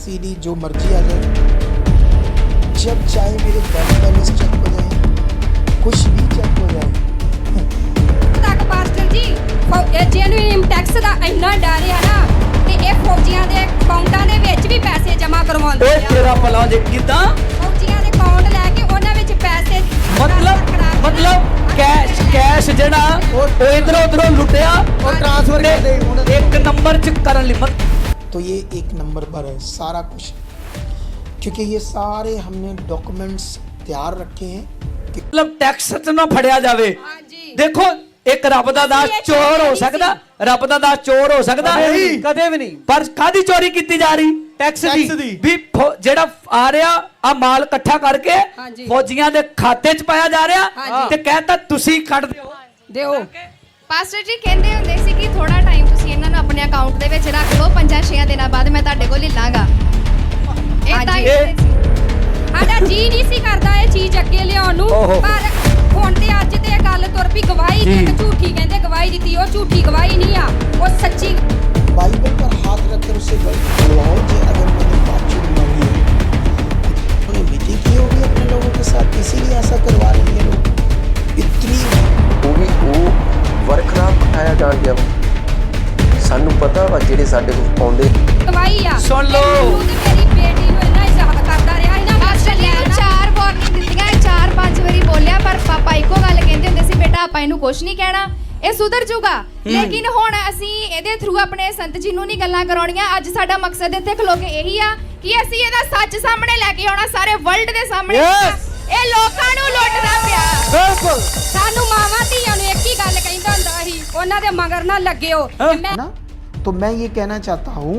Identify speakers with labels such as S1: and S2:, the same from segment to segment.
S1: CD जो मर्जी आ जाए, जब चाहे मेरे बैंक बैलेंस चेक हो जाए, कुछ भी चेक हो जाए।
S2: तक पास्टर जी जेन्युइन टैक्स ਦਾ ਇੰਨਾ ਡਰ ਆ ਨਾ ਤੇ ਇਹ ਫੌਜੀਆਂ ਦੇ ਅਕਾਊਂਟਾਂ ਦੇ ਵਿੱਚ ਵੀ ਪੈਸੇ ਜਮ੍ਹਾਂ ਕਰਵਾਉਂਦੇ
S3: ਓਏ
S2: ਆ।
S3: ਤੇਰਾ ਭਲਾ ਜੇ ਕਿਦਾਂ
S2: ਫੌਜੀਆਂ ਦੇ ਅਕਾਊਂਟ ਲੈ ਕੇ ਉਹਨਾਂ ਵਿੱਚ ਪੈਸੇ
S3: मतलब कैश जेड़ा वो इधरों उधरों लुटिया
S1: और ट्रांसफर कर दे
S3: एक नंबर च करन ली मत।
S1: तो ये एक नंबर पर है सारा कुछ, क्योंकि ये सारे हमने डॉक्यूमेंट्स तैयार रखे हैं कि
S3: मतलब टैक्स च ना फड़िया जावे।
S2: ਹਾਂਜੀ
S3: देखो एक रब दा दास चोर हो सकदा, रब दा दास चोर हो सकदा
S4: कदे भी नहीं।
S3: पर कादी चोरी की जा रही टैक्स दी भी जेड़ा आ रहा आ माल इकट्ठा करके
S2: ਹਾਂਜੀ।
S3: फौजियां दे खाते च पाया जा रहा
S2: ਹਾਂਜੀ।
S3: ते कहता तुसी कट दिओ।
S2: ਦਿਓ
S5: ਪਾਸਟਰ ਜੀ ਕਹਿੰਦੇ ਹੁੰਦੇ ਸੀ ਕਿ ਥੋੜਾ ਟਾਈਮ ਤੁਸੀਂ ਇਹਨਾਂ ਨੂੰ ਆਪਣੇ ਅਕਾਊਂਟ ਦੇ ਵਿੱਚ ਰੱਖ ਲਓ 5-6 ਦਿਨਾਂ ਬਾਅਦ ਮੈਂ ਤੁਹਾਡੇ ਕੋਲ ਲੈ ਲਾਂਗਾ। ਇਹ ਤਾਂ
S2: ਹਾਂਜੀ। ਸਾਡਾ ਜੀ ਨਹੀਂ ਸੀ ਕਰਦਾ ਇਹ ਚੀਜ਼ ਅੱਗੇ ਲਿਆਉਣ ਨੂੰ,
S3: ਓਹੋ।
S2: ਪਰ ਹੁਣ ਤੇ ਅੱਜ ਤੇ ਇਹ ਗੱਲ ਤੁਰ ਪਈ ਗਵਾਹੀ
S3: ਜੀ।
S2: ਇੱਕ ਝੂਠੀ ਕਹਿੰਦੇ ਗਵਾਹੀ ਦਿੱਤੀ, ਉਹ ਝੂਠੀ ਗਵਾਹੀ नहीं आ, वो सच्ची।
S1: बाइबल पर हाथ रखकर उससे बुलवाओ कि अगर मैंने बातचीत मांगी है, उन्होंने मीटिंग की होगी अपने लोगों के साथ, इसीलिए ऐसा करवा रहे हैं लोग। इतनी
S6: ਉਹ ਵੀ ਉਹ ਵਰਕ ਨਾਲ ਪਠਾਇਆ ਜਾਣ ਗਿਆ ਸਾਨੂੰ ਪਤਾ ਵਾ ਜਿਹੜੇ ਸਾਡੇ ਕੋਲ ਆਉਂਦੇ
S2: ਗਵਾਹੀ ਆ।
S3: ਸੁਣ ਲਓ।
S2: ਮੈਨੂੰ ਤੇ ਮੇਰੀ ਬੇਟੀ ਨੂੰ ਇੰਨਾ ਇਜ਼ਾਹਰ ਕਰਦਾ ਰਿਹਾ ਇਹਨਾਂ
S5: ਪਾਸਟਰ ਜੀ ਨੂੰ 4 ਵਾਰਨਿੰਗ ਦਿੱਤੀਆਂ 4-5 ਵਾਰੀ ਬੋਲਿਆ ਪਰ ਪਾਪਾ ਇੱਕੋ ਗੱਲ ਕਹਿੰਦੇ ਹੁੰਦੇ ਸੀ ਬੇਟਾ ਆਪਾਂ ਇਹਨੂੰ ਕੁਝ ਨਹੀਂ ਕਹਿਣਾ, ਇਹ ਸੁਧਰ ਜਾਊਗਾ। ਲੇਕਿਨ ਹੁਣ ਅਸੀਂ ਇਹਦੇ ਥਰੂ ਆਪਣੇ ਸੰਤ ਜੀ ਨੂੰ ਨਹੀਂ ਗੱਲਾਂ ਕਰਾਉਣੀਆਂ। ਅੱਜ ਸਾਡਾ ਮਕਸਦ ਇੱਥੇ ਖਲੋ ਕੇ ਇਹੀ ਆ ਕਿ ਅਸੀਂ ਇਹਦਾ ਸੱਚ ਸਾਹਮਣੇ ਲੈ ਕੇ ਆਉਣਾ, ਸਾਰੇ ਵਰਲਡ ਦੇ ਸਾਹਮਣੇ। ਇਹ ਲੋਕਾਂ ਨੂੰ ਲੁੱਟਦਾ ਪਿਆ।
S3: बिल्कुल
S2: ਸਾਨੂੰ ਮਾਵਾਂ ਧੀਆਂ ਨੂੰ ਇੱਕ ਹੀ ਗੱਲ ਕਹਿੰਦਾ ਹੁੰਦਾ ਸੀ, ਉਹਨਾਂ ਦੇ ਮਗਰ ਨਾ ਲੱਗਿਓ। ਤੇ ਮੈਂ
S1: ना, तो मैं ये कहना चाहता हूँ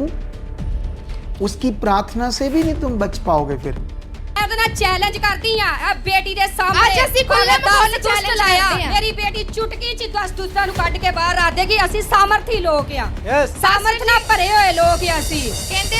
S1: उसकी प्रार्थना से भी नहीं तुम बच पाओगे फिर।
S2: ਉਹਦੇ ਨਾਲ ਚੈਲੰਜ ਕਰਦੀ ਆ ਬੇਟੀ ਦੇ ਸਾਹਮਣੇ।
S5: ਅੱਜ ਅਸੀਂ ਖੁੱਲ੍ਹੇ ਮਾਹੌਲ 'ਚ challenge
S2: ਲਾਇਆ,
S5: ਕਰਦੇ ਆ।
S2: ਮੇਰੀ ਬੇਟੀ ਚੁਟਕੀ ਚ ਦੁਸਤਾਂ ਨੂੰ ਕੱਢ ਕੇ ਬਾਹਰ ਆ ਦੇਗੀ। ਅਸੀਂ ਸਾਮਰਥੀ ਲੋਕ ਆ,
S4: यस
S2: ਸਾਮਰਥ ਨਾਲ ਭਰੇ ਹੋਏ ਲੋਕ ਆ ਅਸੀਂ।
S5: ਕਹਿੰਦੇ